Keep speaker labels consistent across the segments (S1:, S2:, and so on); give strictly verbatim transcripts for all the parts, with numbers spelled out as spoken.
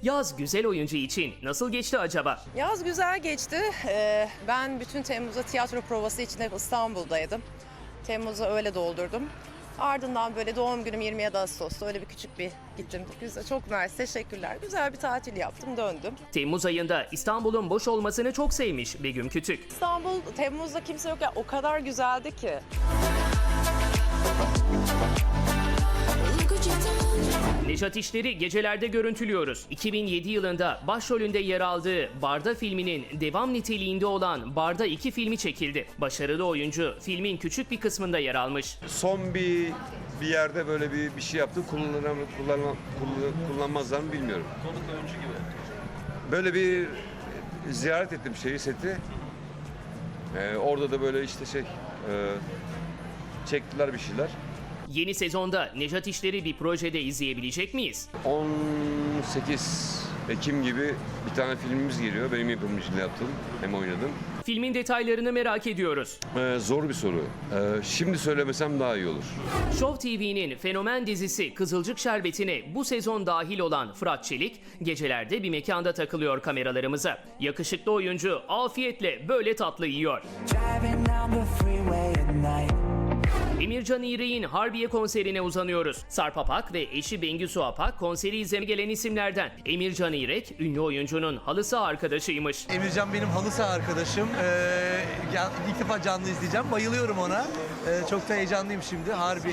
S1: Yaz güzel oyuncu için nasıl geçti acaba?
S2: Yaz güzel geçti. Ee, ben bütün Temmuz'da tiyatro provası için hep İstanbul'daydım. Temmuz'u öyle doldurdum. Ardından böyle doğum günüm yirmi yedi Ağustos'ta öyle bir küçük bir gittim. Güzel, çok mersi, teşekkürler. Güzel bir tatil yaptım, döndüm.
S1: Temmuz ayında İstanbul'un boş olmasını çok sevmiş Begüm Kütük.
S2: İstanbul, Temmuz'da kimse yok ya, o kadar güzeldi ki.
S1: Nejat İşler'i gecelerde görüntülüyoruz. iki bin yedi yılında başrolünde yer aldığı Barda filminin devam niteliğinde olan Barda iki filmi çekildi. Başarılı oyuncu filmin küçük bir kısmında yer almış.
S3: Son bir bir yerde böyle bir bir şey yaptım. Kullanırım, kullanmam, kullan- kullanmazlar mı bilmiyorum.
S4: Konuk oyuncu gibi.
S3: Böyle bir ziyaret ettim şeyi, seti. Ee, orada da böyle işte şey e, çektiler bir şeyler.
S1: Yeni sezonda Nejat İşler'i bir projede izleyebilecek miyiz?
S3: on sekiz Ekim gibi bir tane filmimiz geliyor. Benim yapımcıyla yaptığım, hem oynadım.
S1: Filmin detaylarını merak ediyoruz.
S3: Ee, zor bir soru. Ee, şimdi söylemesem daha iyi olur.
S1: Show T V'nin fenomen dizisi Kızılcık Şerbeti'ne bu sezon dahil olan Fırat Çelik, gecelerde bir mekanda takılıyor kameralarımıza. Yakışıklı oyuncu afiyetle böyle tatlı yiyor.
S5: Driving down the freeway at night.
S1: Emircan İğrek'in Harbiye konserine uzanıyoruz. Sarp Apak ve eşi Bengisu Apak konseri izlemeye gelen isimlerden. Emircan İğrek, ünlü oyuncunun halı saha arkadaşıymış.
S4: Emircan benim halı saha arkadaşım. Ee, ya- ilk defa canlı izleyeceğim. Bayılıyorum ona. Ee, çok da heyecanlıyım şimdi. Harbi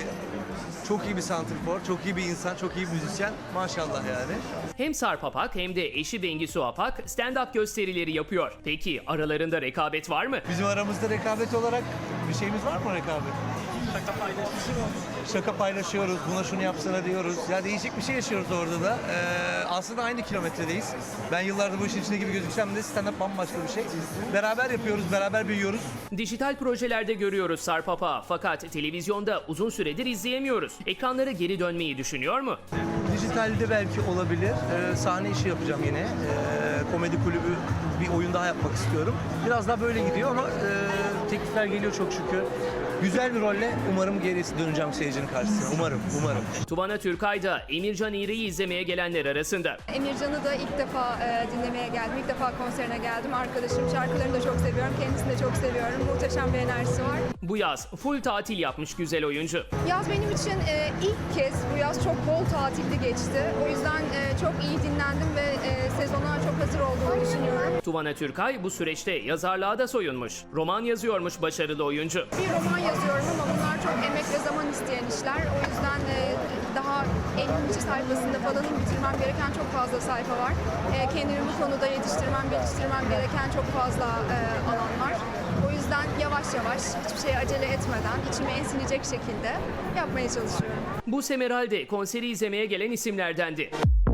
S4: çok iyi bir santrfor, çok iyi bir insan, çok iyi bir müzisyen. Maşallah yani.
S1: Hem Sarp Apak hem de eşi Bengisu Apak stand-up gösterileri yapıyor. Peki aralarında rekabet var mı?
S4: Bizim aramızda rekabet olarak bir şeyimiz var mı rekabet? Şaka paylaşıyoruz. Şaka paylaşıyoruz. Buna şunu yapsana diyoruz. Ya değişik bir şey yaşıyoruz orada da. Ee, aslında aynı kilometredeyiz. Ben yıllardır bu işin içinde gibi gözüksem de stand-up bambaşka bir şey. Beraber yapıyoruz, beraber büyüyoruz.
S1: Dijital projelerde görüyoruz Sarp Apak'ı fakat televizyonda uzun süredir izleyemiyoruz. Ekranlara geri dönmeyi düşünüyor mu?
S4: Dijitalde belki olabilir. Ee, sahne işi yapacağım yine. Ee, komedi kulübü bir oyun daha yapmak istiyorum. Biraz daha böyle gidiyor ama e, teklifler geliyor çok şükür. Güzel bir rolle umarım gerisi döneceğim seyircinin karşısına. Umarım, umarım.
S1: Tuvana Türkay da Emircan İğrek'i izlemeye gelenler arasında.
S6: Emircan'ı da ilk defa e, dinlemeye geldim. İlk defa konserine geldim. Arkadaşım, şarkılarını da çok seviyorum. Kendisini de çok seviyorum. Muhteşem bir enerjisi var.
S1: Bu yaz full tatil yapmış güzel oyuncu.
S6: Yaz benim için e, ilk kez bu yaz çok bol tatilli geçti. O yüzden e, çok iyi dinlendim ve e, sezona çok hazır olduğumu düşünüyorum.
S1: Tuvana Türkay bu süreçte yazarlığa da soyunmuş. Roman yazıyormuş başarılı oyuncu.
S6: Bir roman yazıyorum ama bunlar çok emek ve zaman isteyen işler. O yüzden e, daha ellinci sayfasında falanın bitirmem gereken çok fazla sayfa var. E, kendimi bu konuda yetiştirmem, geliştirmem gereken çok fazla e, alan var. O yüzden yavaş yavaş, hiçbir şeye acele etmeden, içime ensinecek şekilde yapmaya çalışıyorum.
S1: Bu Semeral'de konseri izlemeye gelen isimlerdendi.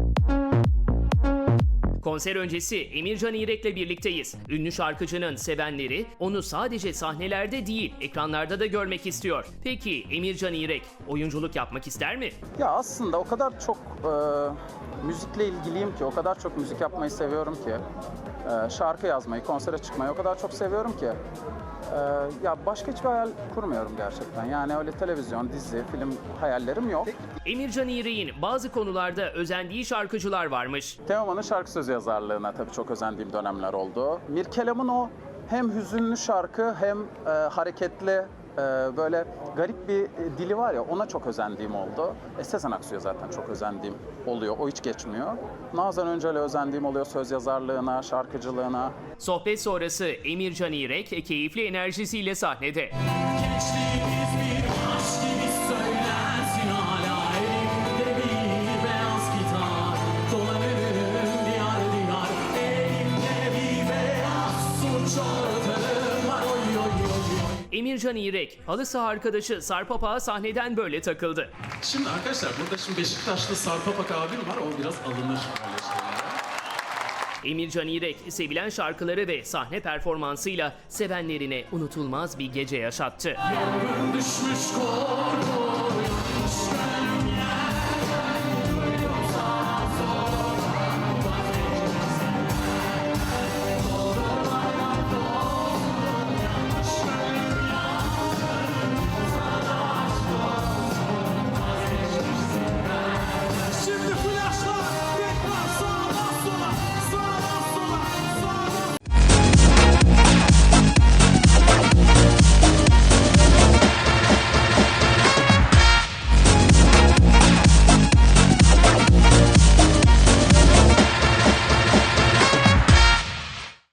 S1: Konser öncesi Emircan İğrek'le birlikteyiz. Ünlü şarkıcının sevenleri onu sadece sahnelerde değil, ekranlarda da görmek istiyor. Peki Emircan İğrek oyunculuk yapmak ister mi?
S7: Ya aslında o kadar çok e, müzikle ilgiliyim ki, o kadar çok müzik yapmayı seviyorum ki, e, şarkı yazmayı, konsere çıkmayı o kadar çok seviyorum ki, e, ya başka hiçbir hayal kurmuyorum gerçekten. Yani öyle televizyon, dizi, film hayallerim yok.
S1: Emircan İğrek'in bazı konularda özendiği şarkıcılar varmış.
S7: Teoman'ın şarkı sözü yazarlığına tabii çok özendiğim dönemler oldu. Mirkelam'ın o hem hüzünlü şarkı hem e, hareketli, e, böyle garip bir e, dili var ya, ona çok özendiğim oldu. E, Sezen Aksu'ya zaten çok özendiğim oluyor, o hiç geçmiyor. Nazan Öncel'e özendiğim oluyor, söz yazarlığına, şarkıcılığına.
S1: Sohbet sonrası Emircan İğrek keyifli enerjisiyle sahnede.
S8: Gençliğimiz bir aşk gibi söylensin hala elimde bir beyaz gitar dolanırım diyar diyar elimde bir beyaz suç ortağım var oy oy oy oy.
S1: Emircan İğrek halı saha arkadaşı Sarp Apak'a sahneden böyle takıldı.
S9: Şimdi arkadaşlar burada şimdi Beşiktaşlı Sarp Apak abim var, o biraz alınır böyle şeylere.
S1: Emircan İğrek sevilen şarkıları ve sahne performansıyla sevenlerine unutulmaz bir gece yaşattı.
S8: Düşmüş korku